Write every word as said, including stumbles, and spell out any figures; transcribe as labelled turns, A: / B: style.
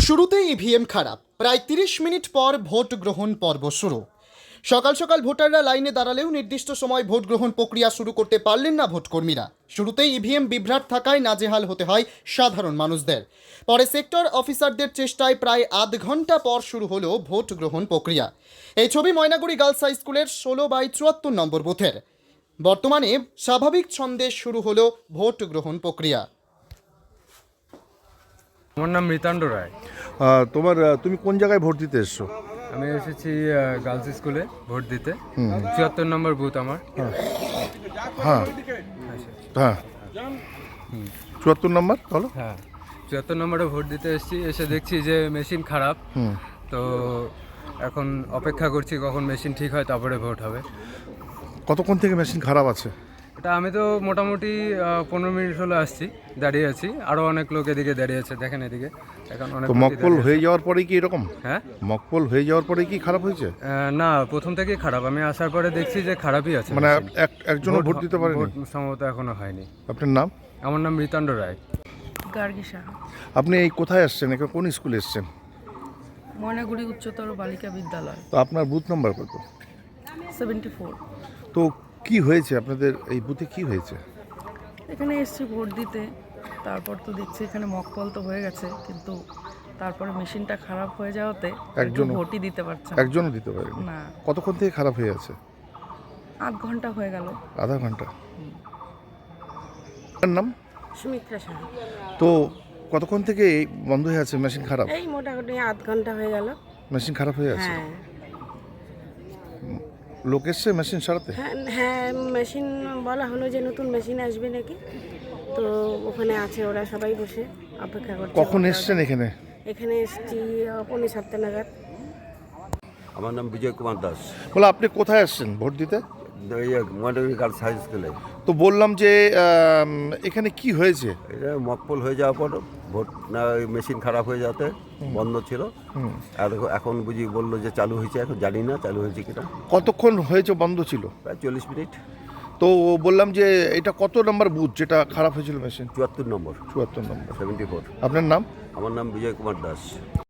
A: শুরুতেই ইভিএম খারাপ, প্রায় তিরিশ মিনিট পর ভোট গ্রহণ পর্ব শুরু। সকাল সকাল ভোটাররা লাইনে দাঁড়ালেও নির্দিষ্ট সময় ভোট গ্রহণ প্রক্রিয়া শুরু করতে পারলেন না ভোটকর্মীরা। শুরুতেই ইভিএম বিভ্রাট থাকায় নাজেহাল হতে হয় সাধারণ মানুষদের। পরে সেক্টর অফিসারদের চেষ্টায় প্রায় আধ ঘন্টা পর শুরু হলো ভোট গ্রহণ প্রক্রিয়া। এই ছবি ময়নাগুড়ি গার্লস হাই স্কুলের ষোলো বাই চুয়াত্তর নম্বর বুথের। বর্তমানে স্বাভাবিক ছন্দে শুরু হলো ভোট গ্রহণ প্রক্রিয়া।
B: আমার নাম মৃতাণ্ড রায়।
C: আহ, তোমার আহ, তুমি কোন জায়গায় ভোট দিতে এসছো?
B: আমি এসেছি গার্লস স্কুলে ভোট দিতে। চুয়াত্তর নম্বর বুথ আমার।
C: হ্যাঁ হ্যাঁ চুয়াত্তর নম্বর বলো।
B: হ্যাঁ, চুয়াত্তর নম্বরে ভোট দিতে এসেছি। এসে দেখছি যে মেশিন খারাপ। তো এখন অপেক্ষা করছি কখন মেশিন ঠিক হয়, তারপরে ভোট হবে।
C: কতক্ষণ থেকে মেশিন খারাপ আছে?
B: এটা আমি তো মোটামুটি পনেরো মিনিট হলো আসছি, দাঁড়িয়ে আছি। আরও অনেক লোক এদিকে দাঁড়িয়ে আছে, দেখেন এদিকে। এখন অনেক
C: তো
B: লোকই
C: মকপল
B: দাঁড়িয়ে
C: হয়ে
B: আছে।
C: যাওয়ার পরে কি এরকম?
B: হ্যাঁ,
C: মকপল হয়ে যাওয়ার পরে কি খারাপ হয়েছে?
B: আহ, না, প্রথম থেকেই খারাপ। আমি আসার পরে দেখছি যে খারাপই আছে
C: মানে
B: machine।
C: এক একজনও ভোট দিতে পারেনি?
B: ভোট সম্ভবত এখনো হয়নি।
C: আপনার নাম?
B: আমার নাম মৃতাণ্ড রায়।
D: গার্গী সাহা,
C: আপনি এই কোথায় আসছেন? এখানে কোন স্কুলে এসছেন?
D: ময়নাগুড়ি উচ্চতর বালিকা বিদ্যালয়,
C: তো আপনার বুথ নাম্বার কত?
D: Seventy four.
C: তো কি হয়েছে আপনাদের এই বুথে, কি হয়েছে?
D: এখানে এসছি ভোট দিতে। তারপর তো দেখছি এখানে মকপল তো হয়ে গেছে, কিন্তু তারপরে মেশিনটা খারাপ হয়ে যাওয়াতে একজন
C: একজনও-
D: ভোটই দিতে পারছে না।
C: একজনও দিতে পারেনি?
D: না,
C: কতক্ষণ থেকে খারাপ হয়ে আছে?
D: আধ ঘন্টা হয়ে গেল।
C: আধা ঘন্টা। আপনার নাম?
E: সুমিত্রা সাহা।
C: তো কতক্ষণ থেকে এই বন্ধ হয়ে আছে মেশিন খারাপ?
E: এই মোটামুটি আধ ঘন্টা হয়ে গেল।
C: মেশিন খারাপ হয়ে আছে?
E: হ্যাঁ
C: লোক এসছে মেশিন সারাতে?
E: হ্যাঁ হ্যাঁ মেশিন বলা হলো যে নতুন মেশিন আসবে নাকি, তো ওখানে আছে, ওরা সবাই বসে অপেক্ষা করছে।
C: কখন
E: ভোটাররা।
C: এসছেন এখানে?
E: এখানে এসছি আহ, পৌনে সাতটা নাগাদ।
F: আমার নাম বিজয় কুমার দাস।
C: বলে আপনি কোথায় আসছেন ভোট দিতে?
F: এই ময়নাগুড়ি গার্লস হাই স্কুলে।
C: তো বললাম যে আম, এখানে কি হয়েছে?
F: এটা মকপল হয়ে যাওয়ার পর ভোট না, মেশিন খারাপ হয়ে যাতে বন্ধ ছিল। আর এখন বুঝি বললো যে চালু হয়েছে, এখন জানি না চালু হয়েছে কিনা।
C: কতক্ষণ হয়েছে বন্ধ ছিল?
F: প্রায় চল্লিশ মিনিট।
C: তো বললাম যে এটা কত নম্বর বুথ যেটা খারাপ হয়েছিল মেশিন?
F: চুয়াত্তর নম্বর,
C: চুয়াত্তর নম্বর।
F: Seventy four.
C: আপনার নাম?
F: আমার নাম বিজয় কুমার দাস।